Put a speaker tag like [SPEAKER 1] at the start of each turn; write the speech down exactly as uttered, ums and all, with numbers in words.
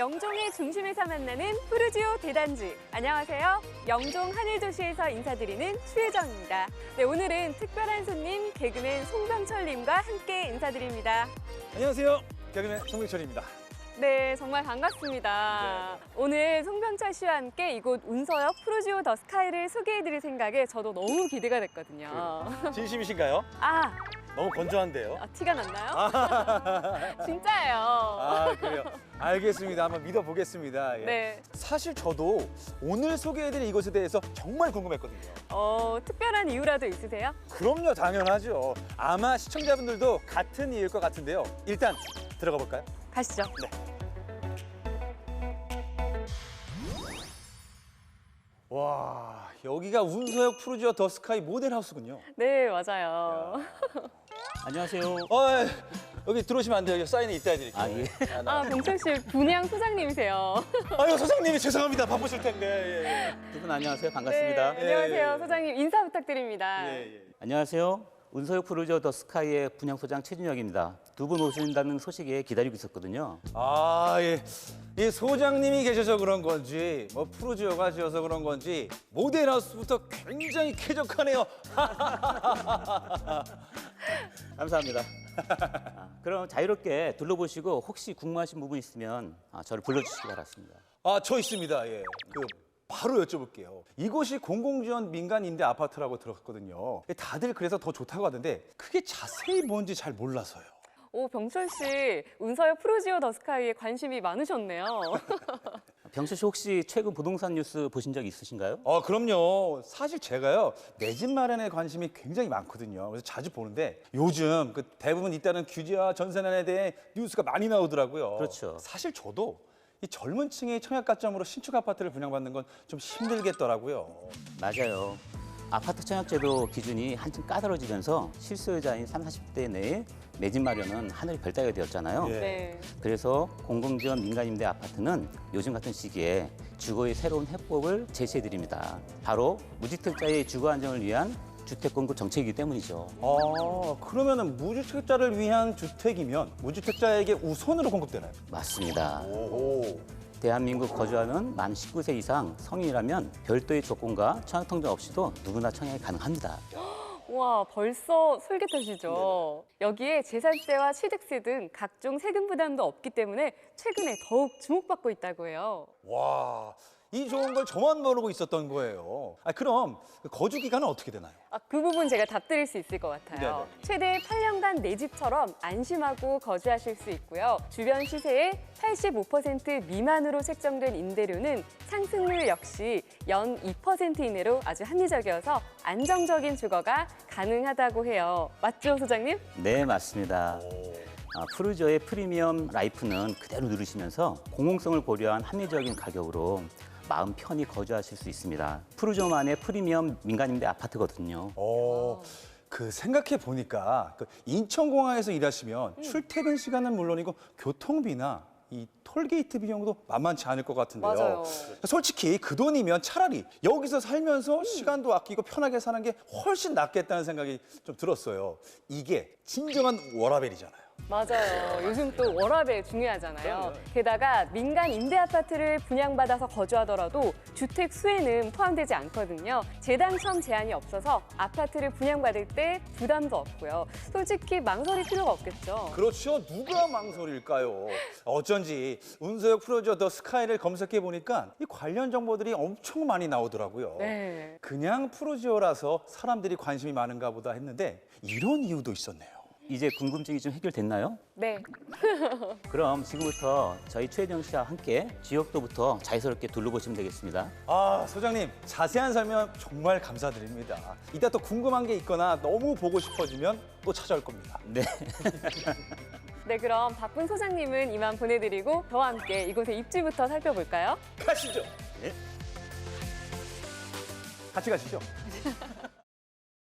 [SPEAKER 1] 영종의 중심에서 만나는 푸르지오 대단지. 안녕하세요. 영종 하늘도시에서 인사드리는 추혜정입니다. 네, 오늘은 특별한 손님 개그맨 송병철님과 함께 인사드립니다.
[SPEAKER 2] 안녕하세요. 개그맨 송병철입니다.
[SPEAKER 1] 네, 정말 반갑습니다. 네. 오늘 송병철 씨와 함께 이곳 운서역 푸르지오 더 스카이를 소개해드릴 생각에 저도 너무 기대가 됐거든요.
[SPEAKER 2] 진심이신가요?
[SPEAKER 1] 아,
[SPEAKER 2] 너무 건조한데요.
[SPEAKER 1] 아 티가 났나요? 진짜예요.
[SPEAKER 2] 아, 그래요. 알겠습니다. 한번 믿어보겠습니다. 예.
[SPEAKER 1] 네.
[SPEAKER 2] 사실 저도 오늘 소개해드릴 이곳에 대해서 정말 궁금했거든요.
[SPEAKER 1] 어, 특별한 이유라도 있으세요?
[SPEAKER 2] 그럼요, 당연하죠. 아마 시청자분들도 같은 이유일 것 같은데요. 일단 들어가 볼까요?
[SPEAKER 1] 가시죠.
[SPEAKER 2] 네. 와, 여기가 운서역 푸르지오 더 스카이 모델하우스군요.
[SPEAKER 1] 네, 맞아요.
[SPEAKER 3] 안녕하세요.
[SPEAKER 2] 어, 예. 여기 들어오시면 안 돼요. 여기 사인이 이따 해드릴게요.
[SPEAKER 3] 아, 예.
[SPEAKER 2] 아, 나-
[SPEAKER 1] 아, 병철 씨 분양 소장님이세요.
[SPEAKER 2] 아유, 소장님이 죄송합니다. 바쁘실 텐데. 예, 예.
[SPEAKER 3] 두 분 안녕하세요. 반갑습니다.
[SPEAKER 1] 네, 안녕하세요.
[SPEAKER 2] 예, 예.
[SPEAKER 1] 소장님 인사 부탁드립니다.
[SPEAKER 2] 예, 예.
[SPEAKER 3] 안녕하세요. 운서역 푸르지오 더 스카이의 분양소장 최준혁입니다. 두 분 오신다는 소식에 기다리고 있었거든요.
[SPEAKER 2] 아, 예. 이 소장님이 계셔서 그런 건지, 뭐 푸르지오가 지어서 그런 건지 모델하우스부터 굉장히 쾌적하네요.
[SPEAKER 3] 감사합니다. 아, 그럼 자유롭게 둘러보시고 혹시 궁금하신 부분 있으면 아, 저를 불러주시기 바랍니다.
[SPEAKER 2] 아, 저 있습니다. 예. 그 바로 여쭤볼게요. 이곳이 공공지원 민간 임대 아파트라고 들었거든요. 다들 그래서 더 좋다고 하던데 그게 자세히 뭔지 잘 몰라서요.
[SPEAKER 1] 오, 병철 씨 운서역 푸르지오 더 스카이에 관심이 많으셨네요.
[SPEAKER 3] 병철 씨 혹시 최근 부동산 뉴스 보신 적 있으신가요?
[SPEAKER 2] 아, 그럼요. 사실 제가요, 내 집 마련에 관심이 굉장히 많거든요. 그래서 자주 보는데 요즘 그 대부분 잇따른 규제와 전세난에 대해 뉴스가 많이 나오더라고요.
[SPEAKER 3] 그렇죠.
[SPEAKER 2] 사실 저도 이 젊은 층의 청약 가점으로 신축 아파트를 분양받는 건 좀 힘들겠더라고요.
[SPEAKER 3] 맞아요. 아파트 청약제도 기준이 한층 까다로워지면서 실수요자인 삼, 사십 대 내에 내 집 마련은 하늘이 별 따기가 되었잖아요.
[SPEAKER 2] 예.
[SPEAKER 1] 네.
[SPEAKER 3] 그래서 공공지원 민간임대 아파트는 요즘 같은 시기에 주거의 새로운 해법을 제시해드립니다. 바로 무주택자의 주거 안정을 위한 주택 공급 정책이기 때문이죠.
[SPEAKER 2] 아, 그러면은 무주택자를 위한 주택이면 무주택자에게 우선으로 공급되나요?
[SPEAKER 3] 맞습니다.
[SPEAKER 2] 오.
[SPEAKER 3] 대한민국 거주하는 만 십구 세 이상 성인이라면 별도의 조건과 청약 통장 없이도 누구나 청약이 가능합니다.
[SPEAKER 1] 와, 벌써 솔깃하시죠? 여기에 재산세와 취득세 등 각종 세금 부담도 없기 때문에 최근에 더욱 주목받고 있다고 해요.
[SPEAKER 2] 와, 이 좋은 걸 저만 모르고 있었던 거예요. 아, 그럼 그 거주 기간은 어떻게 되나요?
[SPEAKER 1] 아, 그 부분 제가 답드릴 수 있을 것 같아요.
[SPEAKER 2] 네네.
[SPEAKER 1] 최대 팔 년간 내 집처럼 안심하고 거주하실 수 있고요. 주변 시세의 팔십오 퍼센트 미만으로 책정된 임대료는 상승률 역시 연 이 퍼센트 이내로 아주 합리적이어서 안정적인 주거가 가능하다고 해요. 맞죠, 소장님?
[SPEAKER 3] 네, 맞습니다. 아, 푸르지오의 프리미엄 라이프는 그대로 누리시면서 공공성을 고려한 합리적인 가격으로 마음 편히 거주하실 수 있습니다. 푸르지오만의 프리미엄 민간임대 아파트거든요.
[SPEAKER 2] 어, 그 생각해 보니까 그 인천공항에서 일하시면 출퇴근 시간은 물론이고 교통비나 이 톨게이트 비용도 만만치 않을 것 같은데요.
[SPEAKER 1] 맞아요.
[SPEAKER 2] 솔직히 그 돈이면 차라리 여기서 살면서 시간도 아끼고 편하게 사는 게 훨씬 낫겠다는 생각이 좀 들었어요. 이게 진정한 워라밸이잖아요.
[SPEAKER 1] 맞아요. 요즘 또 워라밸 중요하잖아요. 게다가 민간 임대 아파트를 분양받아서 거주하더라도 주택 수에는 포함되지 않거든요. 재당첨 제한이 없어서 아파트를 분양받을 때 부담도 없고요. 솔직히 망설일 필요가 없겠죠.
[SPEAKER 2] 그렇죠. 누가 망설일까요? 어쩐지 운서역 푸르지오 더 스카이를 검색해 보니까 이 관련 정보들이 엄청 많이 나오더라고요.
[SPEAKER 1] 네.
[SPEAKER 2] 그냥 푸르지오라서 사람들이 관심이 많은가 보다 했는데 이런 이유도 있었네요.
[SPEAKER 3] 이제 궁금증이 좀 해결됐나요?
[SPEAKER 1] 네.
[SPEAKER 3] 그럼 지금부터 저희 최혜정 씨와 함께 지역도부터 자유스럽게 둘러보시면 되겠습니다.
[SPEAKER 2] 아, 소장님 자세한 설명 정말 감사드립니다. 이따 또 궁금한 게 있거나 너무 보고 싶어지면 또 찾아올 겁니다.
[SPEAKER 3] 네.
[SPEAKER 1] 네, 그럼 바쁜 소장님은 이만 보내드리고 저와 함께 이곳의 입지부터 살펴볼까요?
[SPEAKER 2] 가시죠.
[SPEAKER 3] 네.
[SPEAKER 2] 같이 가시죠.